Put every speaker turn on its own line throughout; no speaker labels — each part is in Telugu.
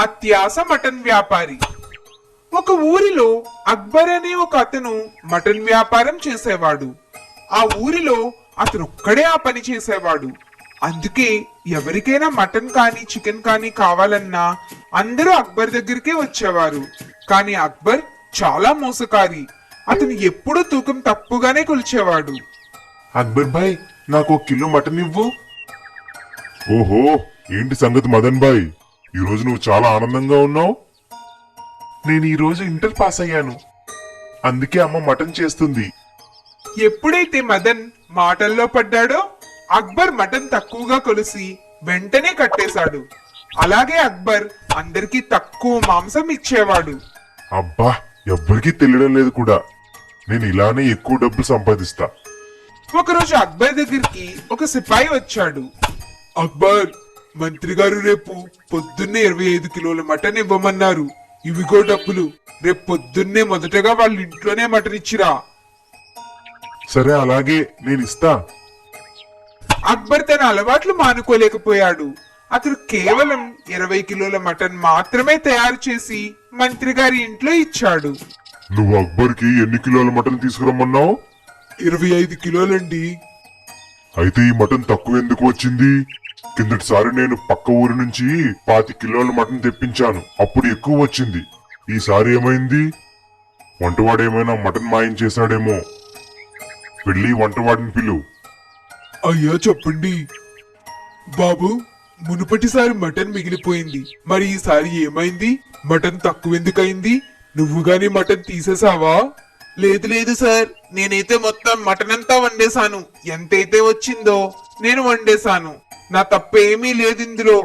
అత్యాస మటన్ వ్యాపారి. ఒక ఊరిలో అక్బర్ అనే ఒక అతను మటన్ వ్యాపారం చేసేవాడు. ఆ ఊరిలో అతను ఒక్కడే ఆ పని చేసేవాడు. అందుకే ఎవరికైనా మటన్ కానీ చికెన్ కానీ కావాలన్నా అందరూ అక్బర్ దగ్గరికే వచ్చేవారు. కానీ అక్బర్ చాలా మోసకారి. అతను ఎప్పుడూ తూకం తప్పుగానే కొలిచేవాడు.
అక్బర్ భాయ్, నాకు 1 కిలో మటన్ ఇవ్వు. ఓహో, ఏంటి సంగతి మదన్ భాయ్, ఈరోజు నువ్వు చాలా ఆనందంగా ఉన్నావు. నేను ఈరోజు ఇంటర్ పాస్ అయ్యాను, అందుకే అమ్మ మటన్ చేస్తుంది.
ఎప్పుడైతే మదన్ మాటల్లో పడ్డాడో అక్బర్ మటన్ తక్కువగా కొలిసి వెంటనే కట్టేశాడు. అలాగే అక్బర్ అందరికీ తక్కువ మాంసం ఇచ్చేవాడు.
అబ్బా, ఎవ్వరికీ తెలియడం లేదు కూడా. నేను ఇలానే ఎక్కువ డబ్బులు సంపాదిస్తా.
ఒకరోజు అక్బర్ దగ్గరికి ఒక సిపాయి వచ్చాడు. అక్బర్, మంత్రి గారు రేపు పొద్దున్నే 25 కిలోల మటన్ ఇవ్వమన్నారు. ఇవిగో డబ్బులు. రేపు పొద్దున్నే మొదటగా వాళ్ళ ఇంట్లోనే మటన్ ఇచ్చిరా.
సరే, అలాగే నేను ఇస్తా.
అక్బర్ తన అలవాట్లు మానుకోలేకపోయాడు. అతను కేవలం 20 కిలోల మటన్ మాత్రమే తయారు చేసి మంత్రి గారి ఇంట్లో ఇచ్చాడు.
నువ్వు అక్బర్కి ఎన్ని కిలోల మటన్ తీసుకురమ్మన్నావు?
25 కిలోలండి.
అయితే ఈ మటన్ తక్కువ ఎందుకు వచ్చింది? కిందటిసారి నేను పక్క ఊరి నుంచి 25 కిలోల మటన్ తెప్పించాను, అప్పుడు ఎక్కువ వచ్చింది. ఈసారి ఏమైంది? వంటవాడేమైనా మటన్ మాయం చేశాడేమో. వెళ్ళి వంటవాడిని పిలు.
అయ్యా చెప్పండి. బాబు, మునుపటిసారి మటన్ మిగిలిపోయింది, మరి ఈసారి ఏమైంది? మటన్ తక్కువ ఎందుకయింది? నువ్వు గాని మటన్ తీసేసావా? లేదు లేదు సార్, నేనైతే మొత్తం మటన్ అంతా వండేశాను. ఎంతైతే వచ్చిందో నేను వండేశాను. నా తప్పేమీ లేదు ఇందులో.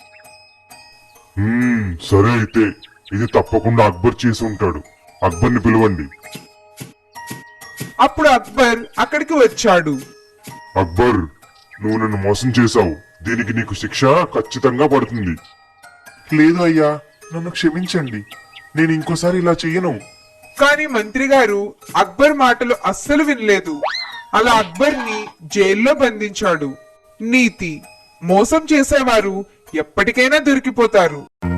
సరే, అయితే ఇది తప్పకుండా అక్బర్ చేసి ఉంటాడు. అక్బర్ని పిలవండి.
అప్పుడు అక్బర్ అక్కడికి వచ్చాడు.
అక్బర్, నువ్వు నన్ను మోసం చేశావు. దీనికి నీకు శిక్ష ఖచ్చితంగా పడుతుంది. లేదు అయ్యా, నన్ను క్షమించండి. నేను ఇంకోసారి ఇలా చెయ్యను.
కానీ మంత్రి గారు అక్బర్ మాటలు అస్సలు వినలేదు. అలా అక్బర్ ని జైల్లో బంధించాడు. నీతి: మోసం చేసేవారు ఎప్పటికైనా దొరికిపోతారు.